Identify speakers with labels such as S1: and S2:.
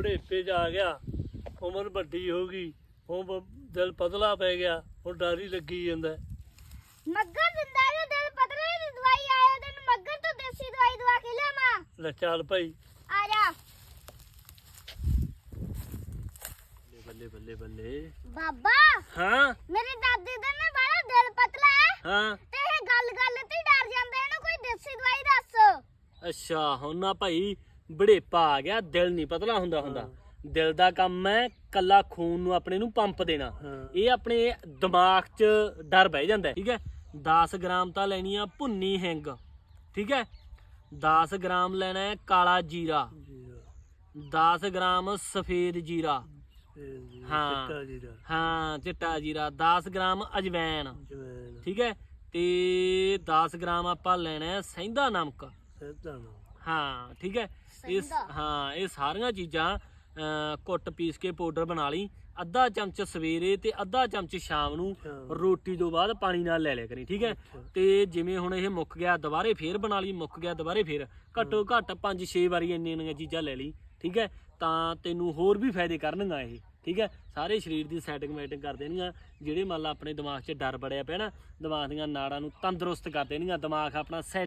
S1: ਬੁਢੇਪੇ 'ਚ ਆ ਗਿਆ, ਉਮਰ ਵੱਡੀ ਹੋ ਗਈ, ਹੁਣ ਦਿਲ ਪਤਲਾ ਪੈ ਗਿਆ, ਹੁਣ ਡਰ ਹੀ ਲੱਗੀ ਜਾਂਦਾ।
S2: ਮੱਗਰ ਦਿੰਦਾ ਜੇ ਦਿਲ ਪਤਲੇ ਦੀ ਦਵਾਈ ਆਇਆ ਤੈਨੂੰ ਮੱਗਰ ਤੋਂ ਦੇਸੀ ਦਵਾਈ ਦਵਾ ਕੇ ਲਿਆਵਾਂ।
S1: ਲੈ ਚੱਲ ਭਾਈ।
S2: ਆ ਜਾ
S1: ਬੱਲੇ ਬੱਲੇ ਬੱਲੇ।
S2: ਬਾਬਾ
S1: ਹਾਂ
S2: ਮੇਰੇ ਦਾਦੀ ਦਾ ਨਾ ਬੜਾ ਦਿਲ ਪਤਲਾ ਹੈ
S1: ਹਾਂ।
S2: ਤੇ ਇਹ ਗੱਲ ਤੇ ਹੀ ਡਰ ਜਾਂਦਾ, ਇਹਨੂੰ ਕੋਈ ਦੇਸੀ ਦਵਾਈ ਦੱਸ।
S3: ਅੱਛਾ ਹੁਣ ਨਾ ਭਾਈ ਬੁਢੇਪਾ ਆ ਗਿਆ, ਦਿਲ ਨਹੀਂ ਪਤਲਾ ਹੁੰਦਾ। ਦਿਲ ਦਾ ਕੰਮ ਹੈ ਕੱਲਾ ਖੂਨ ਨੂੰ ਆਪਣੇ ਨੂੰ ਪੰਪ ਦੇਣਾ। ਇਹ ਆਪਣੇ ਦਿਮਾਗ 'ਚ ਡਰ ਬਹਿ ਜਾਂਦਾ। ਠੀਕ ਹੈ 10 ਗ੍ਰਾਮ ਤਾਂ ਲੈਣੀ ਆ ਭੁੰਨੀ ਹਿੰਗ। ਠੀਕ ਹੈ 10 ਗ੍ਰਾਮ ਲੈਣਾ ਹੈ ਕਾਲਾ ਜੀਰਾ, 10 ਗ੍ਰਾਮ ਸਫੇਦ ਜੀਰਾ, ਹਾਂ ਚਿੱਟਾ ਜੀਰਾ, 10 ਗ੍ਰਾਮ ਅਜਵੈਨ। ਠੀਕ ਹੈ ਤੇ 10 ਗ੍ਰਾਮ ਆਪਾਂ ਲੈਣਾ ਹੈ ਸਹਿੰਦਾ ਨਮਕ। ਹਾਂ ਠੀਕ ਹੈ ਇਹ ਸਾਰੀਆਂ ਚੀਜ਼ਾਂ ਕੁੱਟ ਪੀਸ ਕੇ ਪਾਊਡਰ ਬਣਾ ਲਈ। ਅੱਧਾ ਚਮਚ ਸਵੇਰੇ ਤੇ ਅੱਧਾ ਚਮਚ ਸ਼ਾਮ ਨੂੰ ਰੋਟੀ ਤੋਂ ਬਾਅਦ ਪਾਣੀ ਨਾਲ ਲੈ ਲਿਆ ਕਰੀ। ਠੀਕ ਹੈ ਤੇ ਜਿਵੇਂ ਹੁਣ ਇਹ ਮੁੱਕ ਗਿਆ ਦੁਬਾਰੇ ਫੇਰ ਬਣਾ ਲਈ, ਮੁੱਕ ਗਿਆ ਦੁਬਾਰੇ ਫੇਰ, ਘੱਟੋ ਘੱਟ 5-6 ਵਾਰੀ ਇੰਨੀਆਂ ਚੀਜ਼ਾਂ ਲੈ ਲਈ। ਠੀਕ ਹੈ ਤਾਂ ਤੈਨੂੰ ਹੋਰ ਵੀ ਫਾਇਦੇ ਕਰਨਗਾ ਇਹ। ਠੀਕ ਹੈ ਸਾਰੇ ਸਰੀਰ ਦੀ ਸੈਟਿੰਗ ਮੈਟਿੰਗ ਕਰ ਦੇਣਗੀਆਂ। ਜਿਹੜੇ ਮੰਨ ਲਾ ਆਪਣੇ ਦਿਮਾਗ 'ਚ ਡਰ ਬੜਿਆ ਪਿਆ ਨਾ, ਦਿਮਾਗ ਦੀਆਂ ਨਾੜਾਂ ਨੂੰ ਤੰਦਰੁਸਤ ਕਰ ਦੇਣਗੀਆਂ। ਦਿਮਾਗ ਆਪਣਾ